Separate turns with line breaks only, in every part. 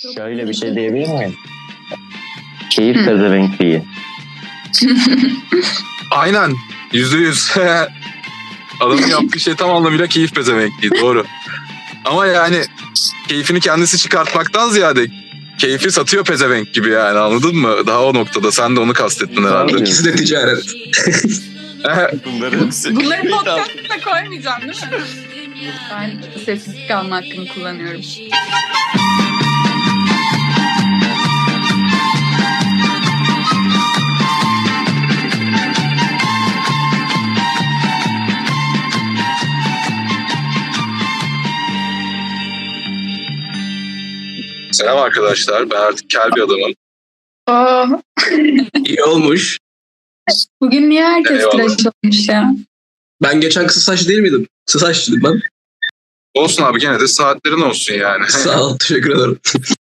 Şöyle bir şey diyebilir miyim? Keyif pezevenkliği.
Aynen. %100. Adamın yaptığı şey tam anlamıyla keyif pezevenkliği. Doğru. Ama yani keyfini kendisi çıkartmaktan ziyade keyfi satıyor pezevenk gibi yani, anladın mı? Daha o noktada. Sen de onu kastettin herhalde.
İkisi de ticaret.
Bunları hepsi.
Bunları podcast'a koymayacağım değil mi? Ben sessizlik alma hakkımı kullanıyorum.
Selam arkadaşlar. Ben artık kel bir adamım.
Aa,
İyi olmuş.
bugün niye herkes
Eyvallah.
tıraş olmuş ya?
Ben geçen kısa saç değil miydim? Kısa saçlıydım ben.
Olsun abi, gene de saatlerin olsun yani.
Sağ ol, teşekkür ederim.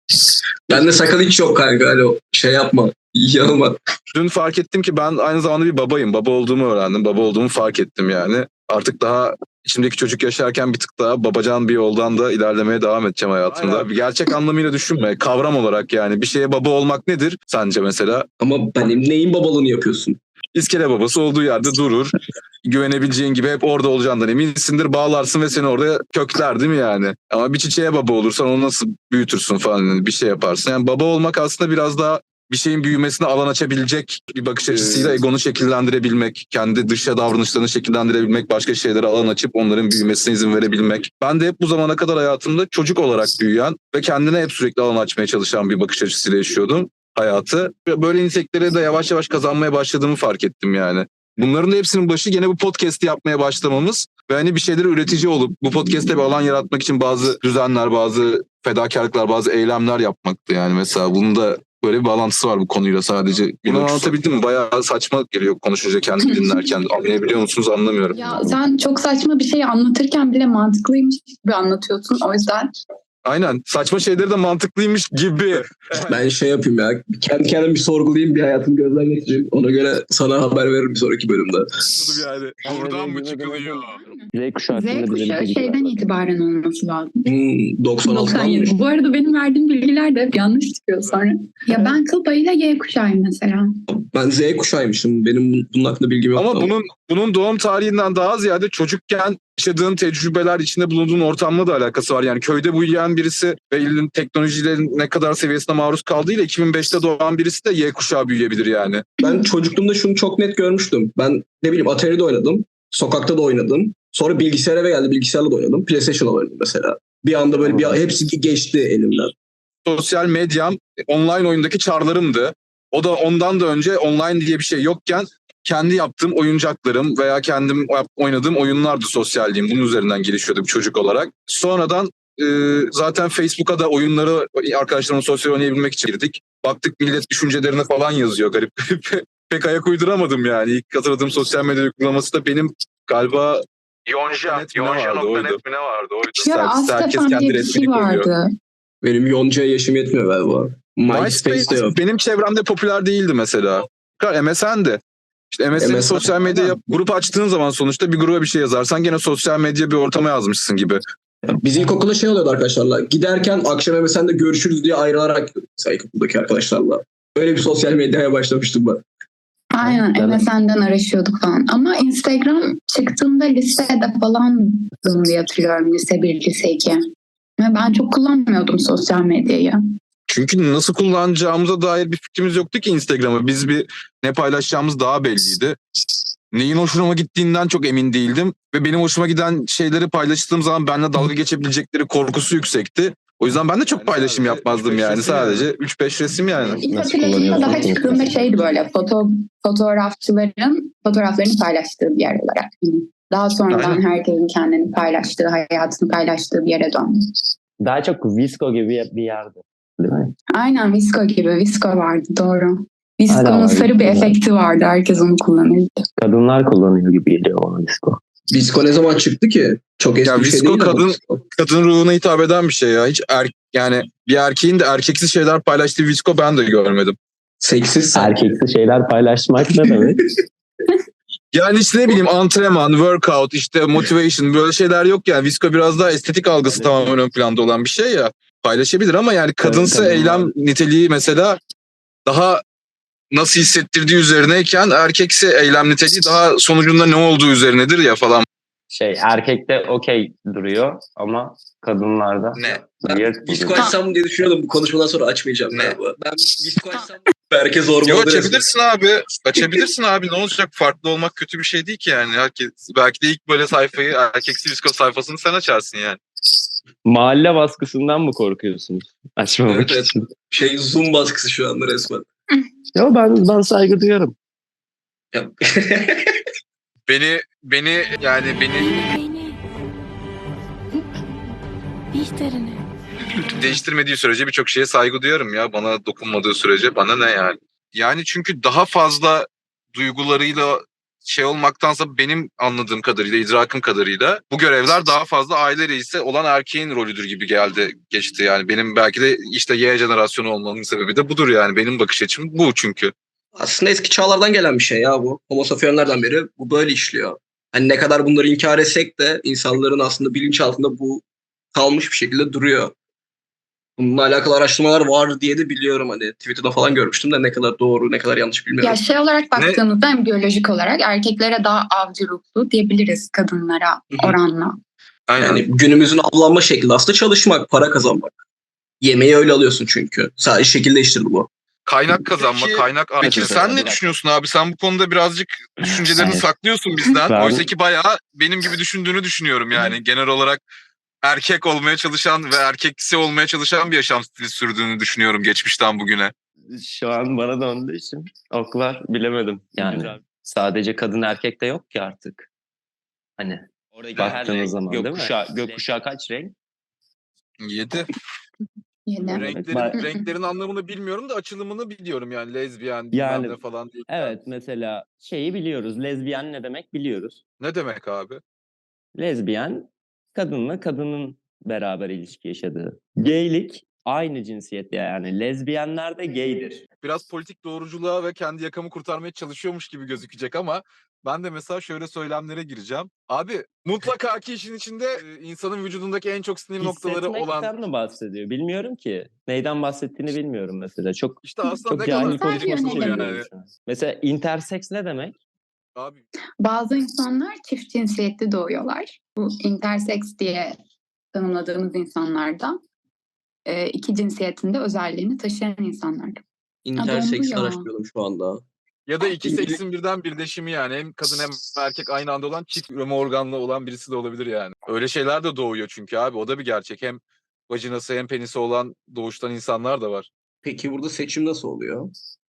Bende sakal hiç yok kanka. Hani o şey yapma. Yanılma.
Dün fark ettim ki ben aynı zamanda bir babayım. Baba olduğumu öğrendim. Baba olduğumu fark ettim yani. Artık daha içimdeki çocuk yaşarken bir tık daha babacan bir yoldan da ilerlemeye devam edeceğim hayatımda. Bir gerçek anlamıyla düşünme. Kavram olarak yani. Bir şeye baba olmak nedir sence mesela?
Ama benim neyin babalığını yapıyorsun?
İskele babası olduğu yerde durur. Güvenebileceğin gibi hep orada olacağından eminsindir. Bağlarsın ve seni orada kökler, değil mi yani? Ama bir çiçeğe baba olursan onu nasıl büyütürsün falan, yani bir şey yaparsın. Yani baba olmak aslında biraz daha bir şeyin büyümesine alan açabilecek bir bakış açısıyla egonu şekillendirebilmek, kendi dışa davranışlarını şekillendirebilmek, başka şeylere alan açıp onların büyümesine izin verebilmek. Ben de hep bu zamana kadar hayatımda çocuk olarak büyüyen ve kendine hep sürekli alan açmaya çalışan bir bakış açısıyla yaşıyordum hayatı. Böyle nitelikleri de yavaş yavaş kazanmaya başladığımı fark ettim yani. Bunların da hepsinin başı gene bu podcast'i yapmaya başlamamız ve hani bir şeyleri üretici olup bu podcast'te bir alan yaratmak için bazı düzenler, bazı fedakarlıklar, bazı eylemler yapmaktı yani. Mesela bunun da böyle bir bağlantısı var bu konuyla sadece. Bunu anlatabildim mi? Bayağı saçma geliyor konuşunca, kendimi dinlerken. Anlayabiliyor musunuz anlamıyorum.
Ya sen çok saçma bir şey anlatırken bile mantıklıymış gibi anlatıyorsun. O yüzden
Aynen. Saçma şeyleri de mantıklıymış gibi.
Ben şey yapayım ya. Kendi kendime bir sorgulayayım. Bir hayatımı gözden geçireyim. Ona göre sana haber veririm bir sonraki bölümde.
Yani. Buradan mı çıkılıyor?
Z kuşağı
Z
hakkında bize
kuşağı
bilgi
şeyden
ver.
itibaren olması lazım.
96'dan
97. Bu arada benim verdiğim bilgiler de hep yanlış çıkıyor sonra. Ya ben kıl payıyla Y kuşağıyım mesela.
Ben Z kuşağıymışım. Benim bunun hakkında bilgim yok.
Ama bunun doğum tarihinden daha ziyade çocukken yaşadığın tecrübeler, içinde bulunduğun ortamla da alakası var. Yani köyde büyüyen birisi ve elinin teknolojilerin ne kadar seviyesine maruz kaldığıyla 2005'te doğan birisi de Y kuşağı büyüyebilir yani.
Ben çocukluğumda şunu çok net görmüştüm. Ben ne bileyim Atari'de oynadım. Sokakta da oynadım. Sonra bilgisayara eve geldi. Bilgisayarla da oynadım. PlayStation'la oynadım mesela. Bir anda böyle hepsi geçti elimden.
Sosyal medyam online oyundaki çarlarımdı. O da ondan da önce online diye bir şey yokken kendi yaptığım oyuncaklarım veya kendim oynadığım oyunlardı sosyalliğim. Bunun üzerinden gelişiyordum çocuk olarak. Sonradan zaten Facebook'a da oyunları arkadaşlarımla sosyal oynayabilmek için girdik. Baktık millet düşüncelerini falan yazıyor garip garip. Pek ayak uyduramadım yani. İlk hatırladığım sosyal medya uygulaması da benim galiba Yonca.net mi ne vardı? Oydu.
Ya
Herkes
Astapan
kendi
diye bir
resmini
şey
koyuyor.
vardı.
Benim Yonca'ya yaşım yetmiyor galiba. MySpace'de yok.
Benim çevremde popüler değildi mesela. MSN'di. İşte MSN'in
MSN.
sosyal medya grup açtığın zaman sonuçta bir gruba bir şey yazarsan gene sosyal medya bir ortama yazmışsın gibi.
Biz ilkokulda şey oluyordu arkadaşlarla. Giderken akşam MSN'de görüşürüz diye ayrılarak gidiyorduk mesela ilkokuldaki arkadaşlarla. Öyle bir sosyal medyaya başlamıştım ben.
Aynen
Evet.
MSN'den araşıyorduk falan. Ama Instagram çıktığında lisede falandım diye hatırlıyorum. Lise 1, lise 2. Ve ben çok kullanmıyordum sosyal medyayı.
Çünkü nasıl kullanacağımıza dair bir fikrimiz yoktu ki Instagram'ı. Biz ne paylaşacağımız daha belliydi. Neyin hoşuma gittiğinden çok emin değildim. Ve benim hoşuma giden şeyleri paylaştığım zaman benimle dalga geçebilecekleri korkusu yüksekti. O yüzden ben de çok paylaşım yapmazdım yani. Sadece 3-5 resim yani.
İlk
Nasıl
hatırladığımda daha
kullanıyorsun
çıktığında
Instagram'ı?
şeydi böyle fotoğrafçıların fotoğraflarını paylaştığı bir yer olarak. Daha sonradan
Aynen.
herkesin kendini paylaştığı, hayatını paylaştığı bir yere döndü.
Daha çok Visco gibi bir yerdi. Değil mi?
Aynen Visco gibi. Visco vardı doğru.
Hala
Visco'nun
var,
sarı bir
Visco var.
efekti vardı. Herkes onu kullanırdı.
Kadınlar kullanıyor gibi geliyor bana Visco.
Disco ne zaman çıktı ki? Çok eski
Ya
bir şey
Visco
değil ama.
kadın ruhuna hitap eden bir şey ya. Hiç yani bir erkeğin de erkeksiz şeyler paylaştığı Visco ben de görmedim.
Seksiz.
Erkeksi şeyler paylaşmak ne demek?
Yani işte ne bileyim antrenman, workout, işte motivation böyle şeyler yok yani. Visco biraz daha estetik algısı tamamen ön planda olan bir şey ya. Paylaşabilir ama yani kadınsı
kadınlar.
eylem niteliği mesela daha nasıl hissettirdiği üzerineyken erkeksi eylem niteliği daha sonucunda ne olduğu üzerinedir ya falan.
Erkekte okey duruyor ama kadınlarda
Ne?
Ben
weird
visko
duruyor.
açsam diye düşünüyordum. Bu konuşmadan sonra açmayacağım
Ne?
galiba. Ben visko açsam herkes
Yo,
zorbalıdır.
açabilirsin abi. Açabilirsin abi. Ne olacak? Farklı olmak kötü bir şey değil ki yani. Belki de ilk böyle sayfayı, erkeksi visko sayfasını sen açarsın yani.
Mahalle baskısından mı korkuyorsunuz? Açmamak
Evet.
için.
Zoom baskısı şu anda resmen.
Yo ben saygı duyarım.
Ya.
Beni değiştirmediği sürece birçok şeye saygı duyarım ya. Bana dokunmadığı sürece bana ne yani. Yani çünkü daha fazla duygularıyla olmaktansa benim anladığım kadarıyla, idrakım kadarıyla bu görevler daha fazla aile reisi olan erkeğin rolüdür gibi geçti yani. Benim belki de işte Y jenerasyonu olmamın sebebi de budur yani. Benim bakış açım bu çünkü.
Aslında eski çağlardan gelen bir şey ya bu. Homo sapienslerden beri bu böyle işliyor. Hani ne kadar bunları inkar etsek de insanların aslında bilinçaltında bu kalmış bir şekilde duruyor. Bununla alakalı araştırmalar var diye de biliyorum. Hani Twitter'da falan görmüştüm de ne kadar doğru ne kadar yanlış bilmiyorum.
Ya olarak baktığımızda hem biyolojik olarak erkeklere daha avcı ruhlu diyebiliriz kadınlara oranla.
Aynen.
Yani günümüzün avlanma şekli aslında çalışmak, para kazanmak. Yemeği öyle alıyorsun çünkü. Sadece şekil değiştirdi bu.
Kaynak kazanma, kaynak. Peki
Evet,
sen ne
evet.
düşünüyorsun abi? Sen bu konuda birazcık düşüncelerini
Evet.
saklıyorsun bizden.
Ben-
Oysa ki bayağı benim gibi düşündüğünü düşünüyorum yani. Genel olarak erkek olmaya çalışan ve erkeksi olmaya çalışan bir yaşam stili sürdüğünü düşünüyorum geçmişten bugüne.
Şu an bana döndüğü için oklar bilemedim. Yani sadece kadın erkek de yok ki artık. Hani baktığınız zaman değil mi? Gökkuşağı kaç renk?
7.
Yine.
Renklerin anlamını bilmiyorum da açılımını biliyorum yani. Lezbiyen, bilmem
Yani,
ne falan değil.
Evet, mesela şeyi biliyoruz. Lezbiyen ne demek biliyoruz.
Ne demek abi?
Lezbiyen kadınla kadının beraber ilişki yaşadığı. Gaylik aynı cinsiyette yani. Lezbiyenler de gaydir.
Biraz politik doğruculuğa ve kendi yakamı kurtarmaya çalışıyormuş gibi gözükecek ama ben de mesela şöyle söylemlere gireceğim. Abi mutlaka ki işin içinde insanın vücudundaki en çok sinir noktaları olan...
Hissetmekten mi bahsediyor? Bilmiyorum ki. Neyden bahsettiğini bilmiyorum mesela. Çok
İşte aslında
çok
ne kadar
cahil konuşması
yönelim.
söylüyorum şu an. Mesela intersex ne demek?
Abi
Bazı insanlar çift cinsiyetli doğuyorlar. Bu intersex diye tanımladığımız insanlarda iki cinsiyetinde özelliğini taşıyan insanlar.
Interseks
ya.
araştırıyorum şu anda.
ya da iki seksin birden birleşimi yani. Hem kadın hem erkek aynı anda olan çift üreme organlı olan birisi de olabilir yani. Öyle şeyler de doğuyor çünkü abi. O da bir gerçek. Hem vajinası hem penisi olan doğuştan insanlar da var.
Peki burada seçim nasıl oluyor?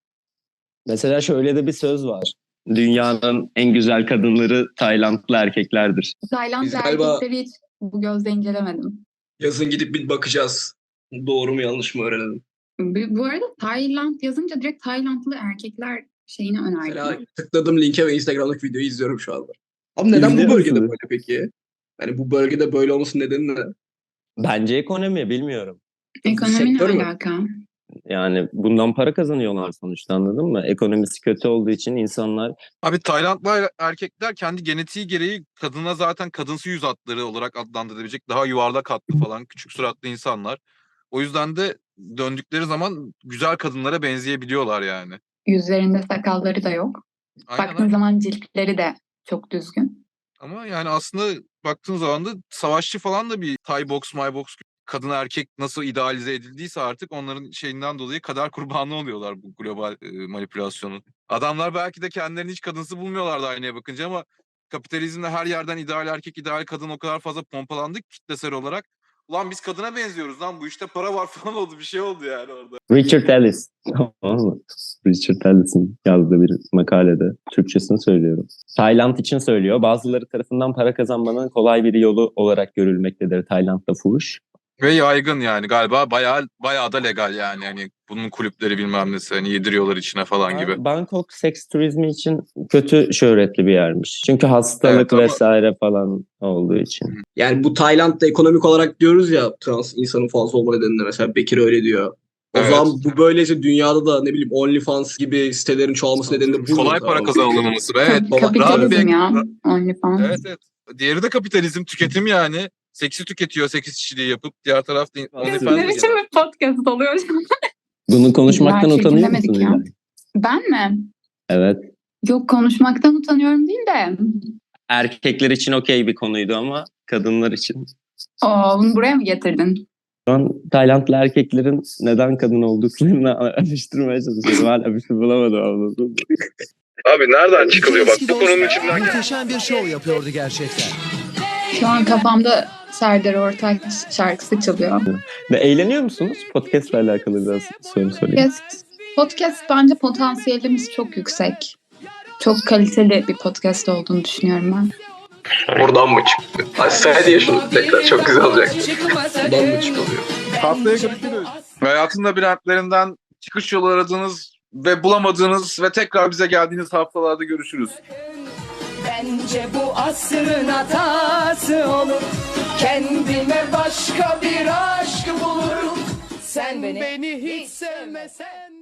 Mesela şöyle de bir söz var. Dünyanın en güzel kadınları Taylandlı erkeklerdir.
Tayland
Biz galiba-
erkekleri hiç bu gözle incelemedim.
Yazın gidip bir bakacağız. Doğru mu yanlış mı öğrenelim.
Bu arada Tayland yazınca direkt Taylandlı erkekler şeyini
Mesela
önerdim.
tıkladım linke ve Instagram'daki videoyu izliyorum şu anda. Ama neden
İzliyor
bu bölgede
musunuz?
böyle peki? Yani bu bölgede böyle olmasının nedeni ne?
Bence ekonomi bilmiyorum.
Ekonomi ne
sektör mü?
alaka?
Yani bundan para kazanıyorlar sonuçta anladın mı? Ekonomisi kötü olduğu için insanlar
Abi Taylandlı erkekler kendi genetiği gereği kadına zaten kadınsı yüz hatları olarak adlandırılabilecek daha yuvarlak hatlı falan küçük suratlı insanlar. O yüzden de döndükleri zaman güzel kadınlara benzeyebiliyorlar yani.
Yüzlerinde sakalları da yok.
Aynen,
Baktığın
aynen.
zaman ciltleri de çok düzgün.
Ama yani aslında baktığın zaman da savaşçı falan da bir Thai box, my box kadın erkek nasıl idealize edildiyse artık onların şeyinden dolayı kader kurbanı oluyorlar bu global manipülasyonun. Adamlar belki de kendilerini hiç kadınsı bulmuyorlardı aynaya bakınca ama kapitalizmde her yerden ideal erkek, ideal kadın o kadar fazla pompalandık kitlesel olarak. Ulan biz kadına benziyoruz lan bu işte para var falan oldu bir şey oldu yani orada.
Richard Ellis. Tamam mı? Richard Ellis'in yazdığı bir makalede Türkçesini söylüyorum. Tayland için söylüyor. Bazıları tarafından para kazanmanın kolay bir yolu olarak görülmektedir Tayland'da fuhuş.
Ve yaygın yani galiba bayağı da legal yani. Hani bunun kulüpleri bilmem nesi hani yediriyorlar içine falan gibi.
Bangkok seks turizmi için kötü şöhretli bir yermiş. Çünkü hastalık
Evet, ama-
vesaire falan olduğu için.
Yani bu Tayland'da ekonomik olarak diyoruz ya trans insanın fazla olma nedeninde mesela Bekir öyle diyor. O
Evet.
zaman bu böylece dünyada da ne bileyim OnlyFans gibi sitelerin çoğalması nedeni bu mu?
Kolay para kazanılması. Evet.
Baba,
Kapitalizm
rahat bir-
ya. OnlyFans.
Evet. Diğeri de kapitalizm, tüketim yani. seksi tüketiyor, seks işçiliği yapıp diğer tarafta
Ne
OnlyFans'da
biçim bir podcast oluyor şu an?
Bunu konuşmaktan
Gerçi
utanıyor
dinlemedik
musun
ya.
İlay?
Ben mi?
Evet.
Yok, konuşmaktan utanıyorum değil de.
Erkekler için okey bir konuydu ama kadınlar için.
Bunu buraya mı getirdin?
Şu an Taylandlı erkeklerin neden kadın olduklarını araştırmaya çalışıyorum. Hala bir şey bulamadım, anladın mı?
Abi nereden çıkılıyor bak
Eski
bu konunun
dost
içinden.
muhteşem bir şov yapıyordu gerçekten.
Şu an kafamda Serdar Ortaç şarkısı çalıyor.
Ve eğleniyor musunuz? Podcast'le alakalı biraz soru sorayım.
Podcast bence potansiyelimiz çok yüksek. Çok kaliteli bir podcast olduğunu düşünüyorum ben.
Buradan mı çıktı? Ay diye şunu tekrar çok güzel olacak. Buradan mı çıkılıyor?
Haftaya görüşürüz. Hayatın labirentlerinden çıkış yolu aradığınız ve bulamadığınız ve tekrar bize geldiğiniz haftalarda görüşürüz.
Bence bu asrın hatası olur. Kendime başka bir aşk bulurum. Sen beni hiç sevmesen.